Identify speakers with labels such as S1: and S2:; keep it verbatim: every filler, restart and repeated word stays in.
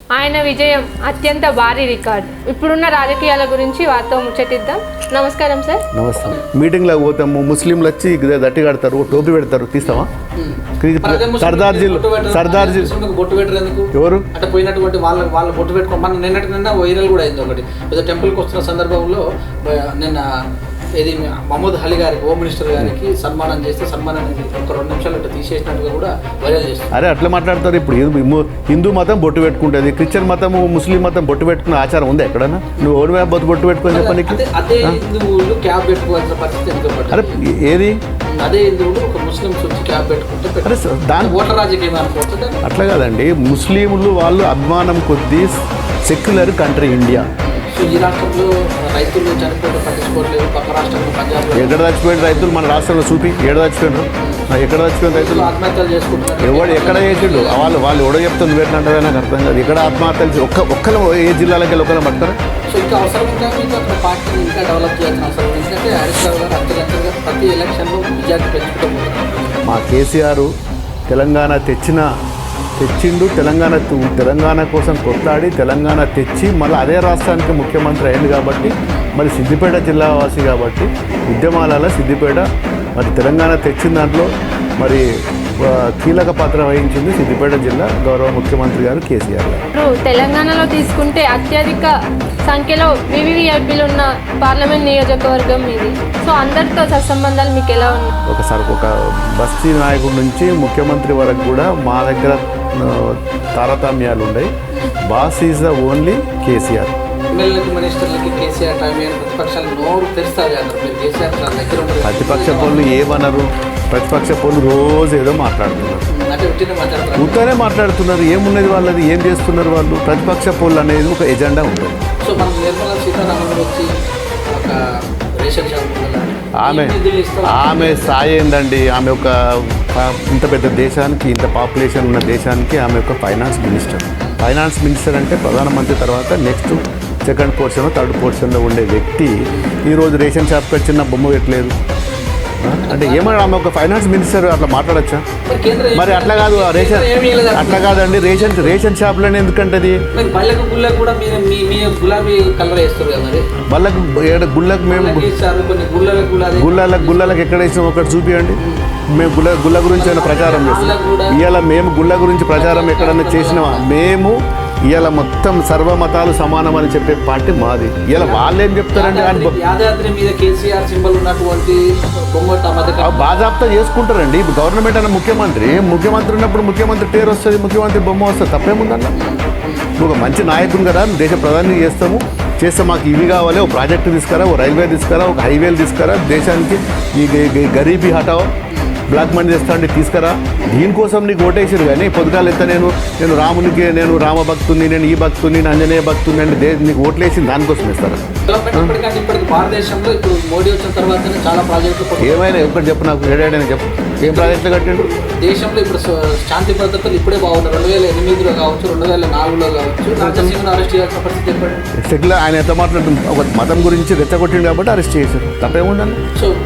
S1: ఆయన విజయం అత్యంత భారీ రికార్డు. ఇప్పుడున్న రాజకీయాల గురించి వారితో ముచ్చటిద్దాం. నమస్కారం సార్.
S2: నమస్తే. మీటింగ్లకు పోతాము, ముస్లింలు వచ్చి దట్టి కడతారు, టోపీ పెడతారు, తీస్తావా? సర్దార్జీ సర్దార్జీ
S3: బొట్టు పెట్టరు ఎందుకు?
S2: ఎవరు
S3: అంటే పోయినటువంటి వాళ్ళ వాళ్ళ బొట్టు పెట్టుకో. మన నిన్నటి నిన్న వైరల్ కూడా అయింది ఒకటి. ఏదో టెంపుల్కి వస్తున్న సందర్భంలో నిన్న ఇది మహమ్మద్ అలీ గారికి, హోమ్ మినిస్టర్ గారికి సన్మానం చేస్తే సన్మానం ఒక రెండు నిమిషాలు తీసేసినట్టుగా కూడా వైరల్ చేస్తారు.
S2: అరే అట్లా మాట్లాడతారు. ఇప్పుడు హిందూ మతం బొట్టు పెట్టుకుంటుంది, క్రిస్టియన్ మతం, ముస్లిం మతం బొట్టు పెట్టుకునే ఆచారం ఉంది ఎక్కడన్నా? నువ్వు ఓడి మీద బొట్టు బొట్టు పెట్టుకొని చెప్పడానికి
S3: అదే హిందువులు క్యాబ్ పెట్టుకోవాల్సిన పరిస్థితి ఎందుకు?
S2: అరే ఏది
S3: అదే హిందువులు ఒక ముస్లింస్ వచ్చి క్యాబ్ పెట్టుకుంటే
S2: అరే దాని
S3: ఓట్ల రాజకీయం అనుకోవచ్చు.
S2: అట్లా కాదండి, ముస్లింలు వాళ్ళు అభిమానం కొద్దీ సెక్యులర్ కంట్రీ ఇండియా.
S3: ఈ రాష్ట్రంలో రైతులు చనిపోతే పట్టించుకోవట్లేదు. పక్క రాష్ట్రంలో పంజాబ్
S2: ఎక్కడ చచ్చిపోయిన రైతులు మన రాష్ట్రంలో చూపి ఏడ చచ్చిపోయినారు? ఎక్కడ చచ్చిపోయిన రైతులు
S3: ఆత్మహత్యలు చేసుకుంటున్నారు.
S2: ఎవడు ఎక్కడ చేసిండు? వాళ్ళు వాళ్ళు ఎవడో చెప్తుంది పెట్టినట్టుగా నాకు అర్థం కాదు. ఎక్కడ ఆత్మహత్యలు ఒక్క ఒక్కరు ఏ జిల్లాలకి వెళ్ళి ఒకరు పడతారు?
S3: సో ఇంకా అవసరం ఇంకా మీకు అక్కడ పార్టీ ఇంకా డెవలప్ చేయాల్సిన అవసరం. ఎందుకంటే హరీష్ రావు గారు అంతర్గతంగా ప్రతి ఎలక్షన్లో మెజార్టీ పెంచుకుంటూ పోతున్నారు.
S2: మా కేసీఆర్ తెలంగాణ తెచ్చిన తెచ్చిండు తెలంగాణ తెలంగాణ కోసం కొట్లాడి తెలంగాణ తెచ్చి మళ్ళీ అదే రాష్ట్రానికి ముఖ్యమంత్రి అయింది కాబట్టి, మరి సిద్దిపేట జిల్లా వాసి కాబట్టి ఉద్యమాలలో సిద్దిపేట మరి తెలంగాణ తెచ్చిన దాంట్లో మరి కీలక పాత్ర వహించింది సిద్దిపేట జిల్లా గౌరవ ముఖ్యమంత్రి గారు కేసీఆర్ గారు.
S1: ఇప్పుడు తెలంగాణలో తీసుకుంటే అత్యధిక సంఖ్యలో వివిఐపీలు ఉన్న పార్లమెంట్ నియోజకవర్గం ఇది. సో అందరితో సత్సంబంధాలు మీకు ఎలా ఉన్నాయి?
S2: ఒకసారి ఒక బస్తీ నాయకుడి నుంచి ముఖ్యమంత్రి వరకు కూడా మా దగ్గర తారతమ్యాలు ఉన్నాయి. Boss is the only KCR.
S3: ఎమ్మెల్యేలకు మినిస్టర్లకి కేసీఆర్ టైం ప్రతిపక్షాలు నోరు తెరుస్తారు అంటారు. మీరు కేసీఆర్ దగ్గర
S2: ప్రతిపక్ష పనులు ఏమన్నారు? ప్రతిపక్ష పనులు రోజు ఏదో మాట్లాడుతున్నారు,
S3: అంటే ఉట్టినే మాట్లాడతారు.
S2: ఉత్తనే మాట్లాడుతున్నారు. ఏమున్నది వాళ్ళది? ఏం చేస్తున్నారు వాళ్ళు? ప్రతిపక్ష పనులు అనేది ఒక ఎజెండా ఉంటుంది.
S3: సో మనం నిర్మలా సీతారామన్ వచ్చి ఒక రేషన్ షాప్
S2: ఆమె ఆమె స్థాయి ఏందండి? ఆమె ఒక ఇంత పెద్ద దేశానికి, ఇంత పాపులేషన్ ఉన్న దేశానికి ఆమె ఒక ఫైనాన్స్ మినిస్టర్. ఫైనాన్స్ మినిస్టర్ అంటే ప్రధానమంత్రి తర్వాత నెక్స్ట్ సెకండ్ పోర్షన్, థర్డ్ పోర్షన్లో ఉండే వ్యక్తి ఈరోజు రేషన్ షాప్కి వచ్చిన బొమ్మ పెట్టలేదు అంటే ఏమన్నా? ఆమె ఒక ఫైనాన్స్ మినిస్టర్ అట్లా మాట్లాడచ్చా? మరి అట్లా కాదు, రేషన్ అట్లా కాదండి. Ration ration షాప్లోనే ఎందుకంటది?
S3: బళ్ళకు గులాబీ కలర్ వేస్తారు కదా.
S2: బళ్ళకు గుళ్ళకు మేము గుళ్ళలకు గుళ్ళలకు ఎక్కడ వేసినాం ఒకటి చూపియండి. మేము గుళ్ళ గుళ్ళ గురించి ఏమైనా ప్రచారం చేస్తాం? ఇవాళ మేము గుళ్ళ గురించి ప్రచారం ఎక్కడన్నా చేసినామా? మేము ఇవాళ మొత్తం సర్వమతాలు సమానం అని చెప్పే పార్టీ మాది. ఇవాళ వాళ్ళు ఏం చెప్తారండి?
S3: యాదాద్రి మీద కేసీఆర్ సింబల్ ఉన్నటువంటి
S2: బాజాబ్తా చేసుకుంటారండి. ఇప్పుడు గవర్నమెంట్ అన్న ముఖ్యమంత్రి ముఖ్యమంత్రి ఉన్నప్పుడు ముఖ్యమంత్రి పేరు వస్తుంది, ముఖ్యమంత్రి బొమ్మ వస్తుంది, తప్పేముందన్న? నువ్వు ఒక మంచి నాయకుడు కదా, దేశ ప్రధాని చేస్తాము చేస్తే మాకు ఇవి కావాలి, ఒక ప్రాజెక్టు తీసుకురా, ఒక రైల్వే తీసుకురా, ఒక హైవేలు తీసుకురా, దేశానికి ఈ గరీబీ హటావో, బ్లాక్ మనీ తెస్తా అంటే తీసుకురా. దీనికోసం నీకు ఓటేసారు. కానీ పొద్దుగాలు ఎత్త నేను నేను రామునికి, నేను రామ భక్తుని, నేను ఈ భక్తుని, నేను ఆంజనేయ భక్తుని అంటే దే నీకు ఓట్లేసింది దానికోసం ఇస్తారా?
S3: భారతదేశంలో ఇప్పుడు మోడీ వచ్చిన తర్వాత చాలా ప్రాజెక్టులు
S2: ఏమైనా ఒకటి చెప్పు నాకు, ఏడైనా చెప్పు. ఏం ప్రాజెక్టులు కట్టిండు?
S3: దేశంలో ఇప్పుడు శాంతి భద్రతలు ఇప్పుడే బాగున్నారు. రెండు వేల ఎనిమిదిలో కావచ్చు, రెండు వేల నాలుగులో కావచ్చు, రాజసింగ్ను అరెస్ట్ చేయాల్సిన పరిస్థితి ఏర్పడింది.
S2: సెటిల్ ఆయన ఎంత మాట్లాడుతుంది? ఒక మతం గురించి రెచ్చగొట్టిండు కాబట్టి అరెస్ట్ చేశారు, తప్పేముందని.
S3: సో